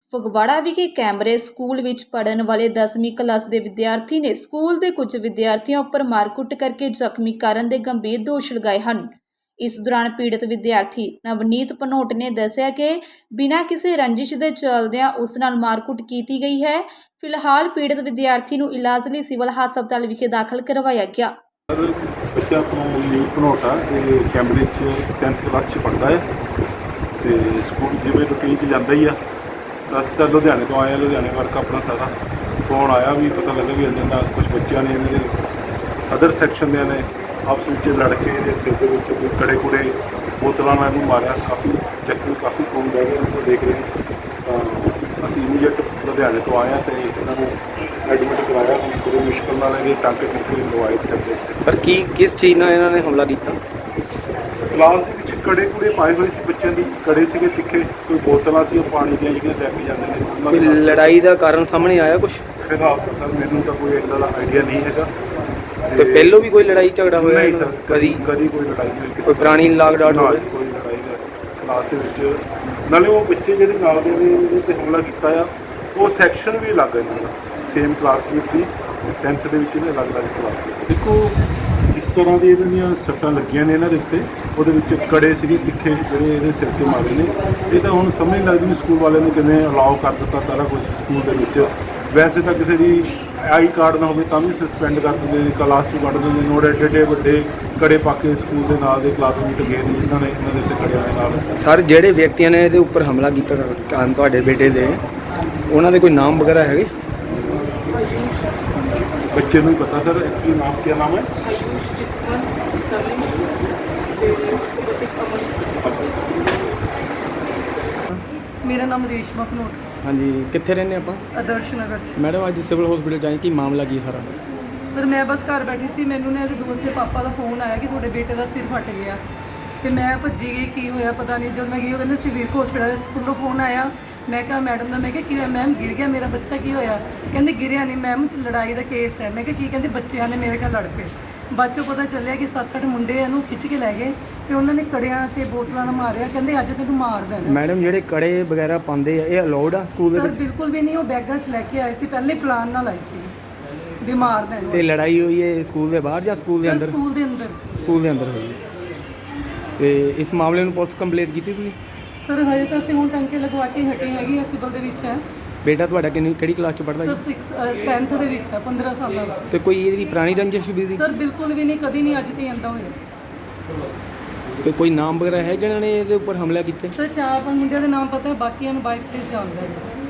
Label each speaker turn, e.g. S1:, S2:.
S1: ਫਗਵਾੜਾ ਵਿਖੇ ਕੈਮਰੇ ਸਕੂਲ ਵਿੱਚ ਪੜ੍ਹਨ ਵਾਲੇ 10ਵੀਂ ਕਲਾਸ ਦੇ ਵਿਦਿਆਰਥੀ ਨੇ ਸਕੂਲ ਦੇ ਕੁਝ ਵਿਦਿਆਰਥੀਆਂ ਉੱਪਰ ਮਾਰਕੁੱਟ ਕਰਕੇ ਜ਼ਖਮੀ ਕਰਨ ਦੇ ਗੰਭੀਰ ਦੋਸ਼ ਲਗਾਏ ਹਨ। ਇਸ ਦੌਰਾਨ ਪੀੜਤ ਵਿਦਿਆਰਥੀ ਨਵਨੀਤ ਭਨੋਟ ਨੇ ਦੱਸਿਆ ਕਿ ਬਿਨਾਂ ਕਿਸੇ ਰੰਜਿਸ਼ ਦੇ ਚੱਲਦਿਆਂ ਉਸ ਨਾਲ ਮਾਰਕੁੱਟ ਕੀਤੀ ਗਈ ਹੈ। ਫਿਲਹਾਲ ਪੀੜਤ ਵਿਦਿਆਰਥੀ ਨੂੰ ਇਲਾਜ ਲਈ ਸਿਵਲ ਹਸਪਤਾਲ ਵਿਖੇ ਦਾਖਲ ਕਰਵਾਇਆ ਗਿਆ।
S2: ਬੱਚਾ ਨਵਨੀਤ ਭਨੋਟ ਆ, ਇਹ ਕੈਂਬਰਿਜ 10th ਕਲਾਸ 'ਚ ਪੜ੍ਹਦਾ ਹੈ ਤੇ ਸਕੂਲ ਜਿਵੇਂ ਰੂਟੀਨ 'ਚ ਜਾਂਦਾ ਹੀ ਆ। ਅਸੀਂ ਤਾਂ ਲੁਧਿਆਣੇ ਤੋਂ ਆਏ ਹਾਂ, ਲੁਧਿਆਣੇ ਵਰਕ ਆਪਣਾ ਸਾਰਾ ਫੋਨ ਆਇਆ ਵੀ ਪਤਾ ਲੱਗਾ ਵੀ ਇਹਨਾਂ ਨਾਲ ਕੁਝ ਬੱਚਿਆਂ ਨੇ ਇਹਨਾਂ ਦੇ ਅਦਰ ਸੈਕਸ਼ਨ ਦੇ ਨੇ ਆਪਸ ਵਿੱਚ ਲੜ ਕੇ ਇਹਦੇ ਸਿਰ ਦੇ ਵਿੱਚ ਕੋਈ ਕੜੇ ਕੁੜੇ ਬੋਤਲਾਂ ਨਾਲ ਇਹਨੂੰ ਮਾਰਿਆ। ਕਾਫੀ ਜ਼ਖਮੀ ਕਾਫੀ ਖੂਨ ਵਹਿ ਗਿਆ, ਉਹਨੂੰ ਦੇਖ ਰਹੇ ਤਾਂ ਅਸੀਂ ਇਮੀਡੀਏਟ ਲੁਧਿਆਣੇ ਤੋਂ ਆਏ ਹਾਂ ਅਤੇ ਇਹਨਾਂ ਨੂੰ ਐਡਮਿਟ ਕਰਾਇਆ। ਬੜੀ ਮੁਸ਼ਕਿਲ ਨਾਲ ਇਹਦੇ ਟਾਂਕੇ ਟੁੰਕੇ ਲਵਾਏ ਸਿਰ ਦੇ।
S3: ਸਰ ਕਿਸ ਚੀਜ਼ ਨਾਲ ਇਹਨਾਂ ਨੇ ਹਮਲਾ ਕੀਤਾ?
S2: ਕਲਾਸ ਦੇ ਵਿੱਚ ਕੜੇ ਕੁੜੇ ਪਾਏ ਹੋਏ ਸੀ ਬੱਚਿਆਂ ਦੀ, ਕੜੇ ਸੀਗੇ ਤਿੱਖੇ, ਕੋਈ ਬੋਤਲਾਂ ਸੀ ਉਹ ਪਾਣੀ ਦੀਆਂ ਜਿਹੜੀਆਂ ਲੈ ਕੇ ਜਾਂਦੇ ਨੇ ਉਹਨਾਂ
S3: ਕੋਈ
S2: ਦੇ ਨਾਲ।
S3: ਲੜਾਈ ਦਾ ਕਾਰਨ ਸਾਹਮਣੇ ਆਇਆ ਕੁਝ?
S2: ਫਿਲਹਾਲ ਤਾਂ ਮੈਨੂੰ ਤਾਂ ਕੋਈ ਇੱਦਾਂ ਦਾ ਆਈਡੀਆ ਨਹੀਂ ਹੈਗਾ।
S3: ਤੇ ਪਹਿਲੋਂ ਵੀ ਕੋਈ ਲੜਾਈ ਝਗੜਾ ਹੋਇਆ?
S2: ਨਹੀਂ ਸਰ,
S3: ਕਦੀ
S2: ਕੋਈ ਲੜਾਈ ਨਹੀਂ ਹੋਈ ਕਿਸੇ
S3: ਕੋਈ ਪੁਰਾਣੀ ਲਾਗ ਡਾਟ
S2: ਨਾਲ।
S3: ਹੋਵੇ?
S2: ਕੋਈ ਲੜਾਈ ਦਾ ਕਲਾਸ ਦੇ ਵਿੱਚ ਨਾਲੇ ਉਹ ਬੱਚੇ ਜਿਹੜੇ ਨਾਲ ਦੇ ਨੇ ਉਹਦੇ 'ਤੇ ਹਮਲਾ ਕੀਤਾ ਆ, ਉਹ ਸੈਕਸ਼ਨ ਵੀ ਅਲੱਗ ਹੈ ਇਹਨਾਂ ਦਾ, ਸੇਮ ਕਲਾਸਮੇਟ ਦੀ 10th ਦੇ ਵਿੱਚ ਇਹਨੇ ਅਲੱਗ ਕਲਾਸ ਸੀ। ਦੇਖੋ ਜਿਸ ਤਰ੍ਹਾਂ ਦੀ ਇਹਨਾਂ ਦੀਆਂ ਸੱਟਾਂ ਲੱਗੀਆਂ ਨੇ ਇਹਨਾਂ ਦੇ ਉੱਤੇ, ਉਹਦੇ ਵਿੱਚ ਕੜੇ ਸੀਗੇ ਤਿੱਖੇ ਜਿਹੜੇ ਇਹਦੇ ਸਿਰ 'ਤੇ ਮਾਰੇ ਨੇ। ਇਹ ਤਾਂ ਹੁਣ ਸਮਝ ਨਹੀਂ ਲੱਗਦੀ ਵੀ ਸਕੂਲ ਵਾਲਿਆਂ ਨੇ ਕਿਵੇਂ ਅਲਾਉ ਕਰ ਦਿੱਤਾ ਸਾਰਾ ਕੁਝ ਸਕੂਲ ਦੇ ਵਿੱਚ। ਵੈਸੇ ਤਾਂ ਕਿਸੇ ਦੀ ਆਈ ਕਾਰਡ ਨਾ ਹੋਵੇ ਤਾਂ ਵੀ ਸਸਪੈਂਡ ਕਰ ਦਿੰਦੇ ਨੇ, ਕਲਾਸ 'ਚੋਂ ਕੱਢ ਦਿੰਦੇ ਨੇ। ਉਹਦੇ ਏਡੇ ਵੱਡੇ ਕੜੇ ਪਾ ਕੇ ਸਕੂਲ ਦੇ ਨਾਲ ਦੇ ਕਲਾਸਮੇਟ ਗਏ ਨੇ ਜਿਨ੍ਹਾਂ ਨੇ ਇਹਨਾਂ ਦੇ ਉੱਤੇ ਕੜਿਆਂ ਦੇ ਨਾਲ।
S3: ਸਰ ਜਿਹੜੇ ਵਿਅਕਤੀਆਂ ਨੇ ਇਹਦੇ ਉੱਪਰ ਹਮਲਾ ਕੀਤਾ ਤੁਹਾਡੇ ਬੇਟੇ ਦੇ, ਉਹਨਾਂ ਦੇ ਕੋਈ ਨਾਮ ਵਗੈਰਾ ਹੈਗੇ?
S2: ਬੱਚੇ ਨੂੰ ਹੀ ਪਤਾ ਸਰ ਕੀ ਨਾਮ, ਕੀ ਨਾਮ ਹੈ?
S4: मेरा नाम रेशमा भनोट।
S3: ਹਾਂਜੀ, ਕਿੱਥੇ ਰਹਿੰਦੇ ਆਪਾਂ?
S4: आदर्श नगर से।
S3: ਮੈਡਮ ਅੱਜ ਸਿਵਲ ਹਸਪੀਟਲ ਜਾਈ, ਕੀ ਮਾਮਲਾ ਕੀ ਸਾਰਾ?
S4: ਸਰ ਮੈਂ ਬਸ ਘਰ ਬੈਠੀ ਸੀ, ਮੈਨੂੰ ਨਾ ਇਹਦੇ ਦੋਸਤ ਦੇ ਪਾਪਾ ਦਾ ਫੋਨ ਆਇਆ ਕਿ ਤੁਹਾਡੇ ਬੇਟੇ ਦਾ ਸਿਰ ਫਟ ਗਿਆ ਤੇ ਮੈਂ ਭੱਜੀ ਗਈ, ਕੀ ਹੋਇਆ ਪਤਾ ਨਹੀਂ। ਜਦੋਂ ਮੈਂ ਗਈ ਉਹ ਕਹਿੰਦੇ ਸਿਵਲ ਹਸਪੀਟਲ ਸਕੂਲੋਂ ਫੋਨ ਆਇਆ। ਮੈਂ ਕਿਹਾ ਮੈਡਮ ਦਾ, ਮੈਂ ਕਿਹਾ ਕੀ ਹੋਇਆ ਮੈਮ? ਗਿਰ ਗਿਆ ਮੇਰਾ ਬੱਚਾ। ਕੀ ਹੋਇਆ? ਕਹਿੰਦੇ ਗਿਰਿਆ ਨਹੀਂ ਮੈਮ, ਲੜਾਈ ਦਾ ਕੇਸ ਹੈ। ਮੈਂ ਕਿਹਾ ਕੀ? ਕਹਿੰਦੇ ਬੱਚਿਆਂ ਨੇ ਮੇਰੇ ਨਾਲ ਲੜ ਪਏ। ਬਾਅਦ 'ਚੋਂ ਪਤਾ ਚੱਲਿਆ ਕਿ 7-8 ਮੁੰਡੇ ਇਹਨੂੰ ਖਿੱਚ ਕੇ ਲੈ ਗਏ ਤੇ ਉਹਨਾਂ ਨੇ ਕੜਿਆਂ ਤੇ ਬੋਤਲਾਂ ਨਾਲ ਮਾਰਿਆ। ਕਹਿੰਦੇ ਅੱਜ ਤੈਨੂੰ ਮਾਰ ਦੇਣਾ।
S3: ਮੈਡਮ ਜਿਹੜੇ ਕੜੇ ਵਗੈਰਾ ਪਾਉਂਦੇ ਆ, ਇਹ ਅਲਾਉਡ ਆ ਸਕੂਲ ਦੇ
S4: ਸਰ
S3: ਵਿੱਚ?
S4: ਬਿਲਕੁਲ ਵੀ ਨਹੀਂ, ਉਹ ਬੈਗਾਂ 'ਚ ਲੈ ਕੇ ਆਏ ਸੀ, ਪਹਿਲੇ ਪਲਾਨ ਨਾਲ ਆਏ ਸੀ ਵੀ ਮਾਰ ਦੇਣਾ।
S3: ਤੇ ਲੜਾਈ ਹੋਈ ਹੈ ਸਕੂਲ ਦੇ ਬਾਹਰ ਜਾਂ ਸਕੂਲ ਦੇ
S4: ਸਰ
S3: ਅੰਦਰ?
S4: ਸਕੂਲ ਦੇ ਅੰਦਰ।
S3: ਸਕੂਲ ਦੇ ਅੰਦਰ ਹੋਈ ਹੈ। ਤੇ ਇਸ ਮਾਮਲੇ ਨੂੰ ਪੁਲਿਸ ਕੰਪਲੇਂਟ ਕੀਤੀ ਤੁਸੀਂ?
S4: ਸਰ ਹਜੇ ਤਾਂ ਅਸੀਂ ਹੁਣ ਟੰਕੇ ਲਗਵਾ ਕੇ ਹਟੇ ਹੈਗੇ, ਸਿਵਲ ਦੇ ਵਿੱਚ ਹੈ।
S3: ਬੇਟਾ ਤੁਹਾਡਾ ਕਿਹੜੀ ਕਲਾਸ 'ਚ ਪੜ੍ਹਦਾ
S4: ਸਰ
S3: ਜੀ?
S4: 10th ਦੇ ਵਿੱਚ ਹੈ, 15 ਸਾਲਾਂ ਦਾ।
S3: ਤੇ ਕੋਈ ਇਹਦੀ ਪੁਰਾਣੀ ਰੰਜਿਸ਼ ਵੀ ਸੀ?
S4: ਸਰ ਬਿਲਕੁਲ ਵੀ ਨਹੀਂ, ਕਦੀ ਨਹੀਂ, ਅੱਜ ਤੇ ਆਂਦਾ ਹੋਇਆ।
S3: ਤੇ ਕੋਈ ਨਾਮ ਵਗੈਰਾ ਹੈ ਜਿਹਨਾਂ ਨੇ ਇਹਦੇ ਉੱਪਰ ਹਮਲਾ ਕੀਤਾ?
S4: ਸਰ 4-5 ਮੁੰਡਿਆਂ ਦੇ ਨਾਮ ਪਤਾ ਹੈ, ਬਾਕੀਆਂ ਨੂੰ ਬਾਈਕ ਤੇ ਜਾਣਦਾ ਹੈ।